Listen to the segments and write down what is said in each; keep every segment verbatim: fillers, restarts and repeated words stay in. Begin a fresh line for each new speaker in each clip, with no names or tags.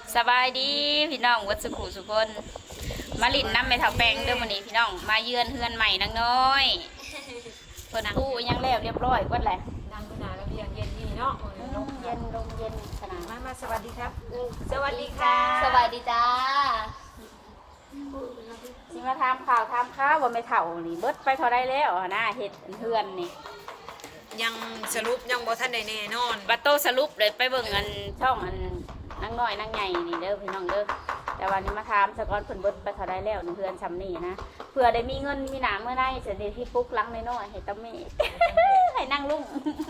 สบายดีพี่น้องวัดสุขุสุคนมาลินน้ำไม่เท่าแปงเด้อวันนี้พี่น้องมาเยือนเฮือนใหม่นางน้อยเพิ่นกู้ยังแล้วเรียบร้อยกว่าแหละ
นั่งขนาดแล้วเพียงเย็นนี่เนาะ
ลมเย็นลมเย็นขนาด
มามาสวัสดีครับสวัสดีค่ะ
สวัสดีจ้าสิมาทำข่าวทำข้าวว่าไม่เท่านี่เบิดไปเท่าไรแล้วนะเห็ดเฮือนนี่
ยังสรุปยังบ่ทันได้แน่นอน
บัตโตสรุปเลยไปเบิ่งอันช่องอันนางน้อยนางใหญ่นี่เด้อพี่น้องเด้อแต่วันนี้มาถามสกอนเพิ่นเบิดไปเท่าไรแล้วนี่เฮือนซำนี่นะเผื่อได้มีเงินมีหนาเมื่อไหร่จะได้ที่ปุ๊กลังน้อยๆให้ตะเมฆ ให้นั่งลุง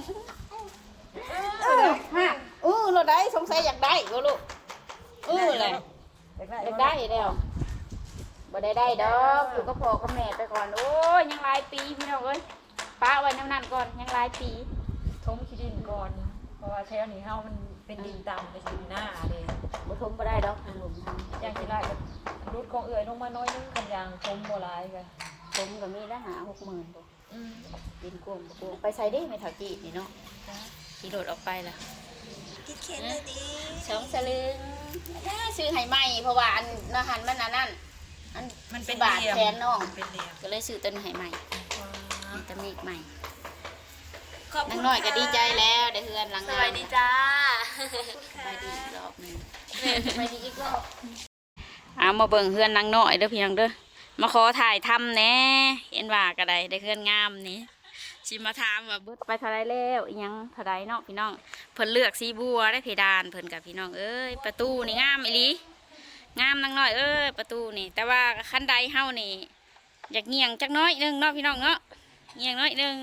เออฮะเออเราได้สงสัยอยากได้บ่ลูกเออเลยอยากได้แล้วบ่ได้ได้ดอกอยู่ก็พอกับแม่ไปก่อนโอ้ยยังหลายปีพี่น้องเอ้ยป้าไว้น้ำนั่นก่อนยังหลายปี
ทมขี้ดินก่อนเพราะว่าแถวนี้เฮามันเป็นดินต่ำไปสิหน้าเด้
บ่ทมบ่ได้ดอกทางหลุมทาง
อย่างที่ไรก็รุดของเอื่อยลงมาน้อยนึงคันยางทมบ่หลายก็
ทมก็มีละหาหกหมื่นตัว
อืม
ดินกวงกวงไปใส่ได้ไม่เท่าจีนี่เนาะขี่รถออกไปล่ะ
คิดเข็นเลยดิ
สองสลึงน่าซื้อให้ใหม่เพราะว่าอันอาหารมันอันนั้นอัน
มันเป็น
บาท
เหลี่ยม
แทนน้อง
มันเป็นเหลี่ยม
ก็เลยซื้อต้นให้ใหม่มีตะมีกใหม่
ขอบ
นาง
คุณ
น้อยก็ดีใจแล้วได้เฮือนหลัง
ส
งาน
วัสดีจ้า
สบายดีอีกรอบหนึงสบายดีอีกรอบเอามาเบิ่งเฮือนนางน้อยเด้อพี่น้องเด้อมาขอถ่ายทำแหน่เห็นว่าก็ได้ได้เฮือนงามนี่สิมาถามว่าเบิดไปเท่าไรแล้วอีหยังเท่าไรเนาะพี่น้องเพิ่นเลือกสีบัวได้เพดานเพิ่นกับพี่น้องเอ้ยประตูนี่งามอีหลีงามนางน้อยเอ้ยประตูนี่แต่ว่าคันใดเฮานี่อยากเงียงจักน้อยหนึงเนาะพี่น้องเนาะเงียงน้อยหนึง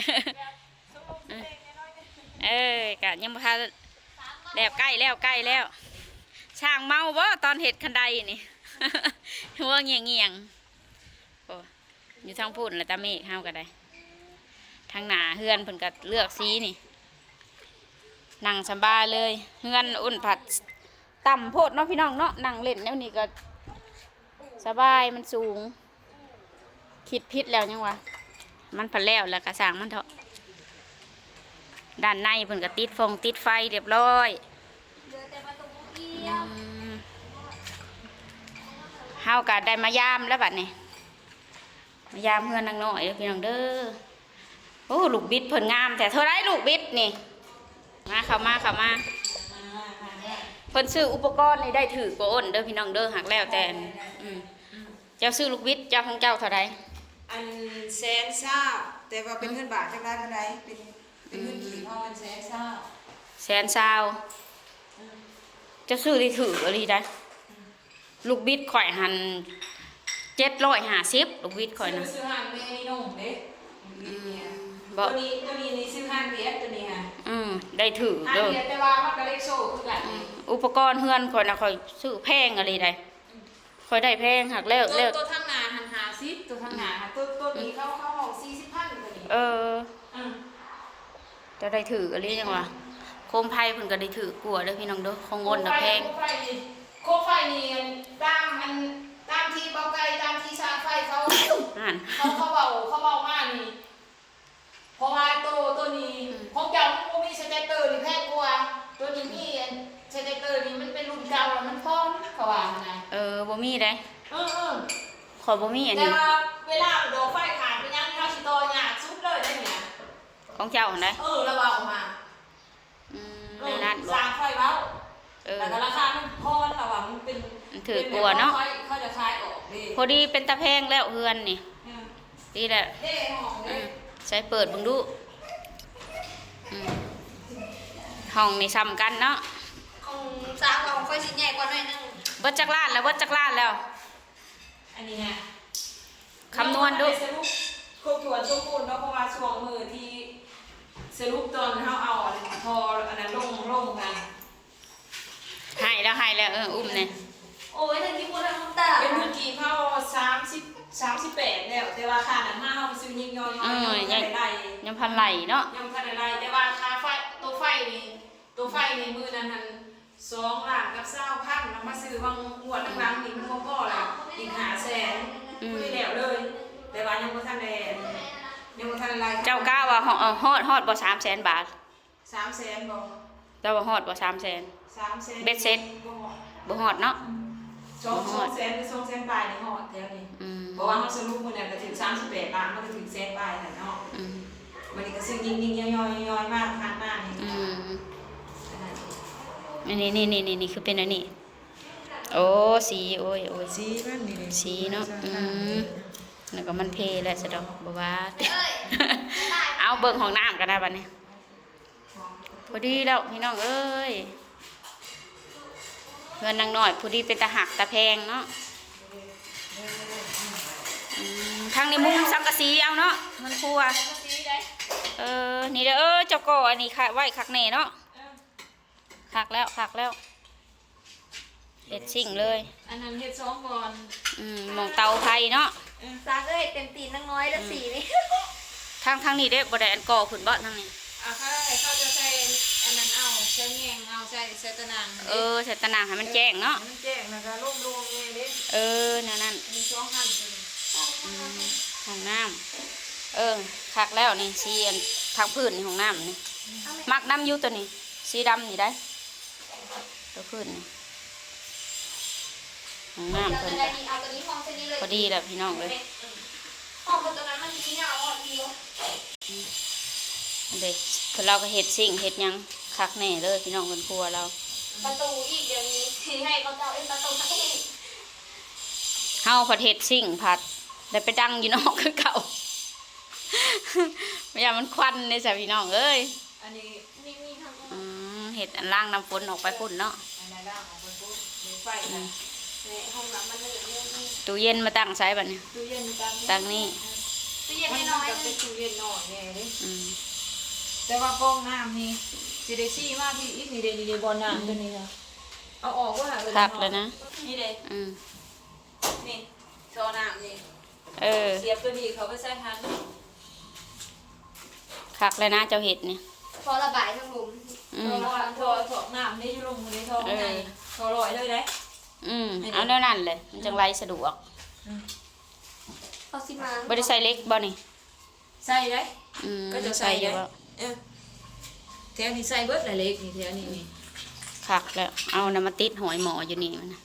เอ้ยกะยังบ่ทันแล้วใกล้แล้วใกล้แล้วช่างเมาบ่ตอนเห็ดคันใดนี่ หัวเงียงเงียงโอ้อยู่ทางพูดแล้วตาเมฆเฮาก็ได้ทางหน้าเฮือนเพิ่นก็เลือกสีนี่นั่งสบายเลยเฮือนอุ่นผัดต่ำโพดเนาะพี่น้องเนาะนั่งเล่นแนวนี้ก็สบายมันสูงคิดพิษแล้วยังวะมันผัดแล้วแล้วก็สร้างมันเถอะด้านในเพิ่นก็ติดฟงติดไฟเรียบร้อยอืมเฮาก็ได้มายามแล้วบัดนี้มายามเพื่อนนางน้อยเด้อพี่น้องเด้อโอ้ลูกบิดเพิ่นงามแต่เท่าไรลูกบิดนี่มาเข้ามาเข้ามาเพิ่นซื้ออุปกรณ์นี่ได้ถือกว่าอ้นเด้อพี่น้องเด้อหักแล้วแต่อืมเจ้าซื้อลูกบิดเจ้าของเจ้าเท่าไร
อันแสนเศร้าแต่ว่าเป็นเงินบาทจังได้เท่าไรเป็นเป็นเงินกี่พ่อมันแสนเศร้า
แสนซาวเจะซื้อได้ถืออะไรได้ลูกบิดข่อยหันเจ็ดร้อยห้าสิบลูกบิดข่อยนะ
ซื้อห้างเมนี่นุ่มเด้
บ
ตั
อ
วนี้ตัวนี้นี่ซื้อห้างเบียดตัวนี้ค่ะ
อืมได้ถือ
ห้าง
เด้อ
เบียดแต่ว่ามันก็เลขโซ่คือกัน
อุปกรณ์เฮือนข่อยนะข่อยซื้อแพงอะไรได้ข่อยได้แพงหักแล้ว
ตัว
แล้ว
ตัวทั้งหนาหันหาซิปตัวทั้งหนาค่ะตัวตัวนี้เข้าเข้าห้องสี่สิบพันตัวนี้
เออ
อืม
จะได้ถืออะไรยังวะโคมไพ่เพิ่นก็ได้ถือกลัวเด้อพี่น้องเด้อของงนน่ะแพง
โคไฟนี่โคไฟนี่ตามมันตามที่เบาไกลตามที่ชาร์จไฟเขา
นั่น
เขาเขาเบาเขาเบามากนี่เพราะว่าตัวตัวนี้ของเก่ามันมีสเตตเตอร์นี่แพงกว่าตัวนี้มีสเตตเตอร์นี่มันเป็นรุ่นเก่าแล้วมันพร้อมเขาว่านะ
เออบ่มีได้
เออเออ
ขอยบ่มีอัน
แต่
นี้
ว่าเวลาโดนไฟขาดไปยังข้าวชิโตเนี่ยซุปเลยได้เนี่ย
ของเจ้าหั่นได้
เออระวังออกมา
อืม
เอ
ใน
อ
นั้นบ่
สร้างไฟเว้า
เออ
แต่ก็ราคามันพอระวังมันเป็น
มันถือกลัวเนาะ
เขาจะคลายออกดิ
พอดีเป็นตะแพงแล้วเฮือนนี่ดีแหละ
เด้ห้อง
อื
เด้
มใช้เปิดเบิ่งดูอืมห้องนี่ซ้ำกันเนาะ
ของสร้างของไฟชิ้นใหญ่กว่าหน่อยนึง
เบิดจักรลาดแล้วเบิดจักรลาดแล้ว
อันนี้ไง
คำนวณดู
สรุปครบถ้วนสมบูรณ์เนาะเพราะว่าช่วงมือที่สรุปตอนเฮาเอาอันนั้นพออันนั้นลงลงกัน
ให้แล้วให้แล้วเอออุ้มเนี่ย
โอ้ยถึงที่พูดทั้งน้ำตา
เป็นเมื่อกี้เฮาสามสิบสามสิบแปดแล้วแต่ว่าค่านั้นมาเฮาไปซื้อยิงย่อยๆยังบ่ทันได้ไล่
ยังพันไหลเนาะ
ยังบ่ทันได้ไล่แต่ว่าค่าไฟตัวไฟนี่ตัวไฟนี่มือนั้นหันสองล้านกับเศร้าพันแล้วมาซื้อบางงวดหลังๆนี่มันบ่พอแล้วอีกห้าแสนคุยแล้วเลย แต่ว่ายังบ่ทันได้ยังบ่ทันได้ไล่
เจ้ากล้าว่าฮอดฮอดฮอดบ่สามแสนบาท
สามแสนบ่
เจ้าว่าฮอดบ่สามแสน
สสามแสน
เบ็ดเสร็จ บ่ฮอดเนาะ
สองสองแสนหรือสองแสนปลายในหอดแถวนี้
อืม
เพราะว่าเขาสรุปมือเนี่ยก็ถึงสามสิบแปดล้านมันก็ถึงแสนปลายแต่เนาะ
อืม
มันนี่ก็ซื้อยิงยิงย่อยย่อยย่อยมากพันมากนี่
อืมอันนี้นี่นี่นี่นี่คือเป็นอันนี้โอ้สีโอ้ยโอ้ย
สีมันนี่
สีเนาะอืมแล้วก็มันเพแล้วสะดอกบ่ว่า เอาเบิ่งห้องน้ำกันนะบัดนี้พอดีแล้วพี่น้องเอ้ยเงินนางน้อยพอดีเป็นตาหักตาแพงเนาะอืมทางนี้มุงสังกะสีเอาเนาะมันครัวเออนี่เด้อเออเจ้าก่ออันนี้ค่ะไว้คักแน่เนาะคักแล้วคักแล้วเด็ดชิ่งเลย
อันนั้นเฮ็ดสองก่อน
อืมหมองเตาไฟเนาะ
สร้างเอ้ยเต็มตีนนังน้อยแล้วสีนี่
ทางทางนี้เด้บ่ได้อันก่อขึ้นบ่ทางนี้
อ่ะเขาได้เขาจะใส่อันนั้นเอาใส่แยงเอาใส่ใส่ตะนาง
เออใส่ตะนางให้มันแจ้งเนาะ
มันแจ้งแล้วก็ล่มลงเองเด้
เออนั่นนั่น
มีสองอันตัวนี้
อืมห้องน้ำเออคักแล้วนี่สีอันทางพื้นนี่ห้องน้ำนี่มักน้ำอยู่ตัวนี้สีดำนี่ได้ตัวพื้นนี่ห้องน้ำ
เอา
เพิ่น
ตัวนี้เอาตัวนี้ห้องเส้นนี้เลย
พอดีแล้วพี่น้องเลย
ห้องตัวนั้นมันมีเงาอ่อนเดียว
เด็กเพิ่นเราก็เฮ็ดสิ่งเฮ็ดหยังคักแน่เลยพี่น้องเพิ่นครัวเรา
ประตูอีกเดี๋ยวนี้ที่ให้เขาเจ้าเอ็นประตูให้
เฮาผัดเฮ็ดสิ่งผัดได้ไปดังอยู่นอกคือเก่า ไม่อยากมันควันเลยจ้ะพี่น้องเอ้ย
อันนี้
มีมีทั้ง
อืมเฮ็ดอันล่างน้ำฝนออกไปพุ่นเนาะ
อันนั้นล่างของคนพูดมีไฟ
อื
นะ
ม
ในห้องน้ำมันเลยเรื่องนี้
ตู้เย็นมาตั้งใช้บัดนี้
ตู้เย็นตาม
ตั้งนี่
ตู้เย็น
มัน
น้อย
ก็เป็นตู้เย็นหน่อยเนี่ยเด้
อืม
แต่ว่ากล้องน้ำนี่สิได้ซี่มากที่อีกนี่เด้นี่เด้บอลน้ำตัวนี้ค่ะเอาออกว่า
คักเลยนะ
นี่เด้
อืม
นี่โซน้ำนี่
เออ
เสียบตัวนี้เขาไปใส่ทัน
คักเลยนะเจ้าเห็ดนี่
พอระบายทั้งหลุม
อื
เพ
ม
ราะว่าทอถอกน้ำนี่อยู่ลงในทองไงทอลอยเลยได้
อืมเอาแนวนั้นเลยมันจังไรสะดวก
เขาสิมา
บ่ได้ใส่เล็กบ่นี่
ใส่ได้
อืม
ก็จะ
ใส่
ใส่
อยู่
ได้
บ่
เออแถวนี้ใส่เบิดหลายเล็กนี่แถวนี้นี่
คักแล้วเอาน้ำมาติดหอยหมออยู่นี่มันน่ะ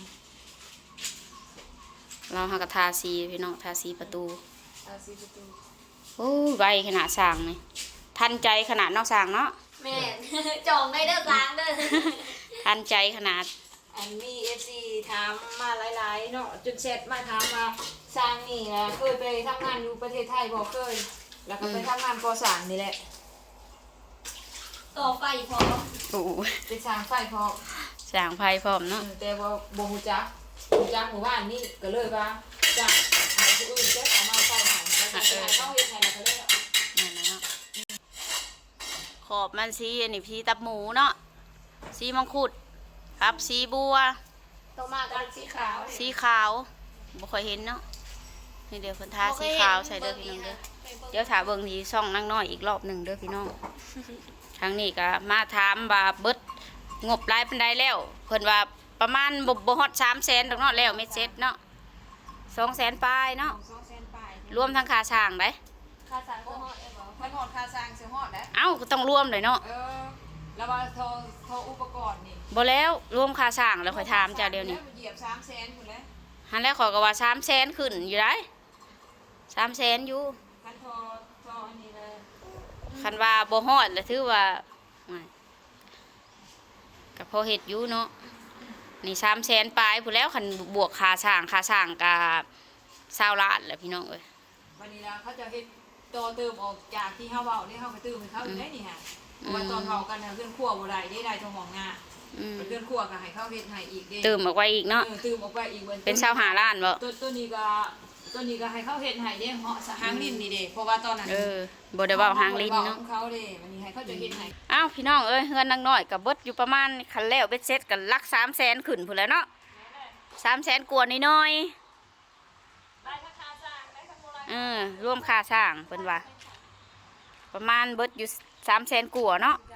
เราหากระทาสีพี่น้องทาสีประตู
อาซีประตู
โอ้ยใบขนาดสร้างนี่ทันใจขนาดนอกสร้างเนาะ
แม่ จองได้เด้อล้างเด้อ
ทันใจขนาด
อันมีเอฟซีถามมาหลายๆเนาะจนเสร็จมาถามมาสร้างนี่นะเคยไปทำงานอยู่ประเทศไทยบอกเคย แล้วก็ไปทำงานก่อสร้างนี่แหละ
ต่อไฟพอ
โอ้ย
เป็นสร้างไฟพอ
สร้างไฟพร้อมเนาะ
แต่ว่าบ่ฮู้จักฮู้จักหมู่บ้านนี่ก็เลยว่าจ้างให้ผู้อื่นแก้สามารถไฟให้แล้วก็ให้เขาเฮ็ดให้แล้วก็เลยเอา
นั่นน่ะเนาะขอบมันสีอันนี้สีตับหมูเนาะสีมังคุดครับสีบัว
ต่อมาก็เป็นสีขาว
สีขาวบ่ค่อยเห็นเนาะนี่เดี๋ยวเพิ่นทาสีขาวใส่เด้อพี่น้องเด้อเดี๋ยวถาเบิ่งที่ช่องนางน้อยอีกรอบหนึ่งเด้อพี่น้องทางนี้ก็มาถามว่าเบิดงบรายปานใดแล้วเพิ่นว่าประมาณบ่บ่ฮอดสามแสนดอกเนาะแล้วเม็ดเซ็ตเนาะสองแสนปลายเนาะ
สองแสนปลาย
รวมทั้งค่าสร้างได้
ค่าสารก็ฮอดเอ้บ่
มันหอดค่าสร้างเสียหอดนะ
เอ้าก็ต้องรวมเลยเนาะ
เออแล้วว่าโทรโทรอุปกรณ์นี่
บ่แล้วรวมค่าสร้างแล้วค่อยถามเจ้าเดี๋ยวนี้
เหยียบสามแสนพุ่นแล้ว
หันแล้วขอยก็ว่าสามแสนขึ้นอยู่ได้สามแสนอยู่
คันโทรโทรอันนี้เลย
คันว่าบ่ฮอดแล้วถือว่าไม่ก็พอเฮ็ดอยู่เนาะนี่สามแสนปลายพู้นแล้วคันบวกค่าสร้างค่าสร้างก็เศร้าล้านแหละพี่น้องเอ้ย
วันนี้ละเขาจะเฮ็ดต่อเติมออกจากที่เฮาเว้าได้เฮาก็เติมให้เขาอยู่ได้นี่ฮะเพราะว่าตอนเว้ากันน่ะเรื่องครัวบ่ได้ได้ได้ทั้งห้องงา
อืม
เรื่องครัวก็ให้เขาเฮ็ดให้อีกเด้
เติมออกไว้อีกเนาะ
เออตื่มออกไปอีกเบิ่
เป็นเศร้าหาล้านบ่
ตัวตัวนี้ก็ตัวนี้ก็ให้เขาเฮ็ดให้เด้เหาะสะหางลิ้นนี่เด้เพราะว่าตอนนั้น
เออบ่ได้เว้าหางลิ้น
เนาะ
เนาะ
เขาเด้วันนี้ให้เขาจะเฮ็ดให้
อ้าวพี่น้องเอ้ยเฮือนนางน้อยก็เบิดอยู่ประมาณคันแล้วเบ็ดเซ็ตก็หลักสามแสนขึ้นพุ่นแหล้วเนาะสามแสนกว่าน้อยๆ
ได้ทั้งค่าสร้างได้ทั้งโบราณ
เออร่วมค่าสร้างเพิ่นว่าประมาณเบิดอยู่สามแสนกว่าเนาะ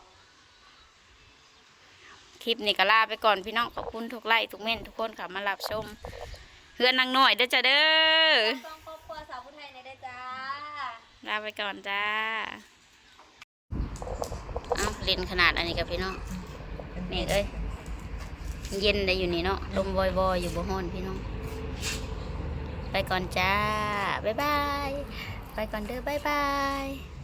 คลิปนี้ก็ลาไปก่อนพี่น้องขอบคุณทุกไลค์ทุกเม่นทุกคนค่ะมารับชมเฮือนนางน้อยเด้อจ้าเด้อ
ต้องครอบครัวสาวผู้ไทยในได้จ้า
ลาไปก่อนจ้าเอาเล่นขนาดอันนี้กับพี่น้อง
เป็น
แม่เอ้ยเย็นได้อยู่นี่เนาะลมวอยๆอยู่บ่ฮ้อนพี่น้องไปก่อนจ้าบ๊ายบายไปก่อนเด้อบ๊ายบาย